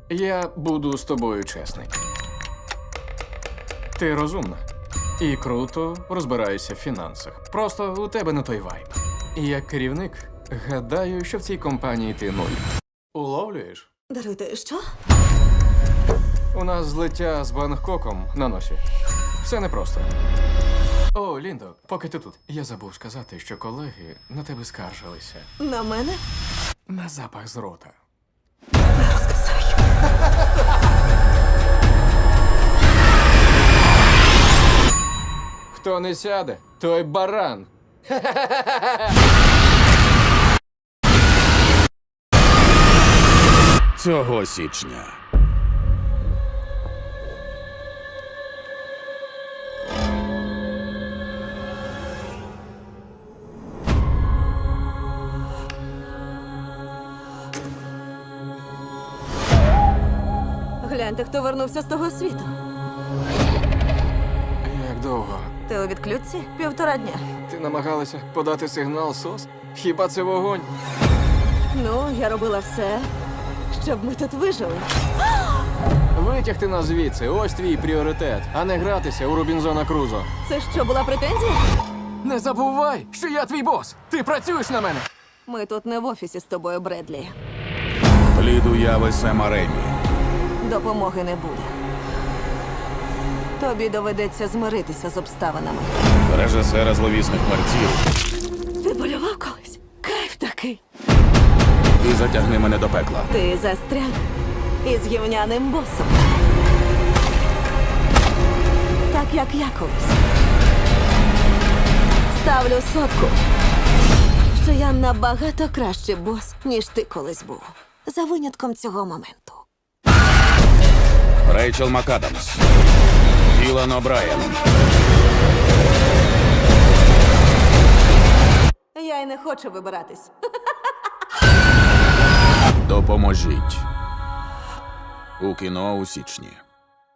Я буду з тобою чесний. Ти розумна і круто розбираєшся в фінансах. Просто у тебе не той вайб. І як керівник, гадаю, що в цій компанії ти нуль. Уловлюєш? Даруйте, що? У нас злиття з Бангкоком на носі. Все непросто. О, Ліндо, поки ти тут. Я забув сказати, що колеги на тебе скаржилися. На мене? На запах з рота. Хто не сяде, той баран. Цього січня. Гляньте, хто вернувся з того світу. Як довго? Ти у відключці? 1,5 дня. Ти намагалася подати сигнал СОС? Хіба це вогонь? Ну, я робила все, щоб ми тут вижили. Витягти нас звідси, ось твій пріоритет, а не гратися у Робінзона Крузо. Це що, була претензія? Не забувай, що я твій бос! Ти працюєш на мене! Ми тут не в офісі з тобою, Бредлі. Плід уяви Сема Ремі. Допомоги не буде. Тобі доведеться змиритися з обставинами. Режисера зловісних мерців. Ти полював колись? Кайф такий. І затягни мене до пекла. Ти застряг із гівняним босом. Так, як я колись. Ставлю сотку, що я набагато кращий бос, ніж ти колись був. За винятком цього моменту. Рейчел МакАдамс. Ілан О'Брайен. Я й не хочу вибиратись. Допоможіть. У кіно у січні.